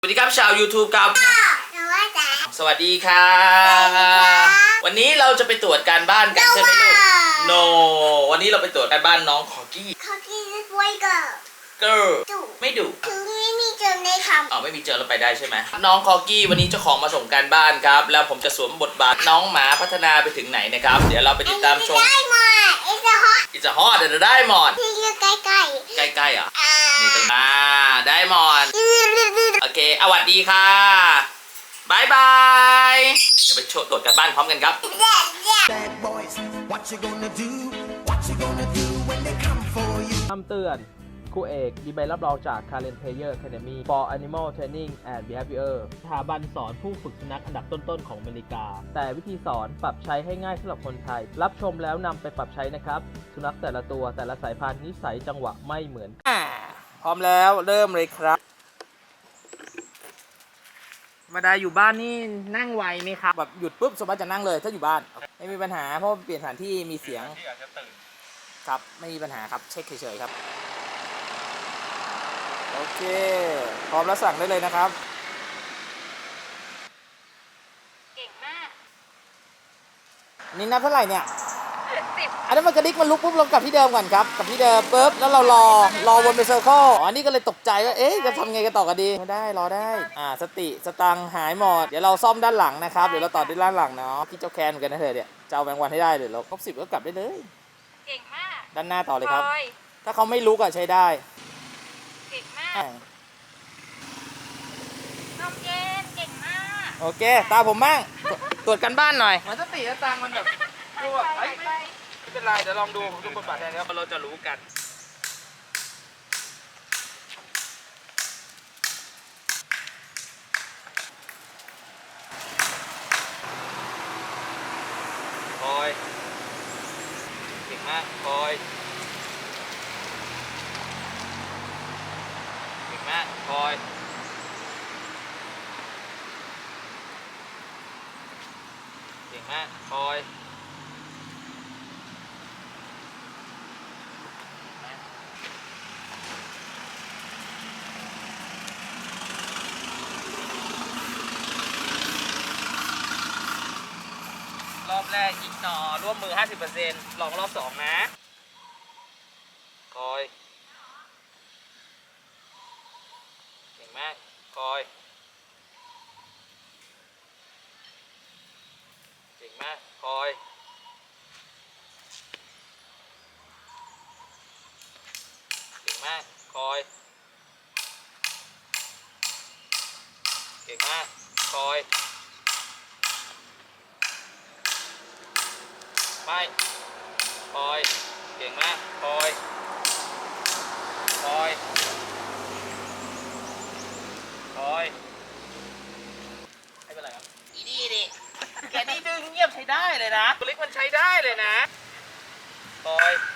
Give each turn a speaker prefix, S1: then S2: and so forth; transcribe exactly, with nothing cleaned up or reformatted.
S1: สวัสดีครับชาว YouTube ครับสวัสดีค่ะวันนี้เราจะไปตรวจการบ้านกันใช่ไหมลูก No วันนี้เราไปตรวจการบ้านน้องคอกี้
S2: คอกี้คือไวเกิร์ล
S1: Girl
S2: ดุ
S1: ไม่ดุ
S2: คือไม่มีเจอในคำ
S1: อ๋อไม่มีเจอเราไปได้ใช่ไหมน้องคอกี้วันนี้เจ้าของมาส่งการบ้านครับแล้วผมจะสวมบทบาทน้องหมาพัฒนาไปถึงไหนนะครับเดี๋ยวเราไปติดตามชม
S2: ได้หมดไอ้สะฮอต
S1: อิจฮอดเดี๋ยวได้หมด
S2: ที่อยู่ใกล้ๆ
S1: ใกล้ๆอ่ะ
S2: อ่า
S1: นี่ตรงอ่าได้หมดโอเคสวัสดีค่ะบายบายเดี๋ยวไปโชว์ตรวจการบ้านพร้อมกันครับ
S3: Bad boys, what you gonna do? What you gonna do when they come for you?
S4: คำเตือนครูเอกมีใบรับรองจาก Karen Player Academy for Animal Training and Behavior สถาบันสอนผู้ฝึกสุนัขอันดับต้นๆของอเมริกา แต่วิธีสอนปรับใช้ให้ง่ายสำหรับคนไทย รับชมแล้วนำไปปรับใช้นะครับ สุนัขแต่ละตัวแต่ละสายพันธุ์นิสัยจังหวะไม่เหมือนกันพร้อมแล้วเริ่มเลยครับมาดาอยู่บ้านนี่นั่งไวไหมครับแบบหยุดปุ๊บสมมติจะนั่งเลยถ้าอยู่บ้านไม่มีปัญหาเพราะเปลี่ยนสถานที่มีเสียงที่อาจจะตื่นครับไม่มีปัญหาครับเช็คเฉยๆครับโอเคพร้อมแล้วสั่งได้เลยนะครับ
S2: เก่งมาก
S4: นี่นับเท่าไหร่เนี่ย
S2: สิบ
S4: อันนั้นมันกระดิกมันลุกปุ๊บลงกลับที่เดิมก่อนครับกลับที่เดิมปุ๊บแล้วเรารอรอวนเป็นเซอร์เคิลอ๋อนี่ก็เลยตกใจว่าเอ๊ะจะทำไงกันต่อกันดีไม่ได้รอได้อ่าสติสตังค์หายหมดเดี๋ยวเราซ่อมด้านหลังนะครับเดี๋ยวเราต่อด้านหลังเนาะพี่เจ้าแคนเหมือนกันนะเธอเนี่ยจะเอาแบงค์วันให้ได้เลยเราครบสิบก็กลับได้เลย
S2: เก่งมาก
S4: ด้านหน้าต่อเลยครับ
S2: พอย
S4: ถ้าเขาไม่ลุกอะใช้ได้
S2: เก่งมาก
S4: อ่า
S2: น้องเจนเก่งมาก
S4: โอเคตาผมบ้างตรวจกันบ้านหน่อยมันสติสตังค์มันแบบดูแบบเอ้ยไม่ไม่เป็นไรเดี๋ยวลองดูดูบทบาทแทนครับเราจะรู้กันคอยเก่งมากคอยเก่งมากคอยเก่งมากคอยรอบแรกอีกหนอร่วมมือ ห้าสิบเปอร์เซ็นต์ ลองรอบสองนะคอยเก่งมากคอยเก่งมากคอยเก่งมากคอยเก่งมากคอยไม่คอยเก่งมากคอยคอยคอยไม่เป็นไรครับอีนี่ดิแกนี่ดื้อเงียบใช้ได้เลยนะตัวเล็กมันใช้ได้เลยนะคอย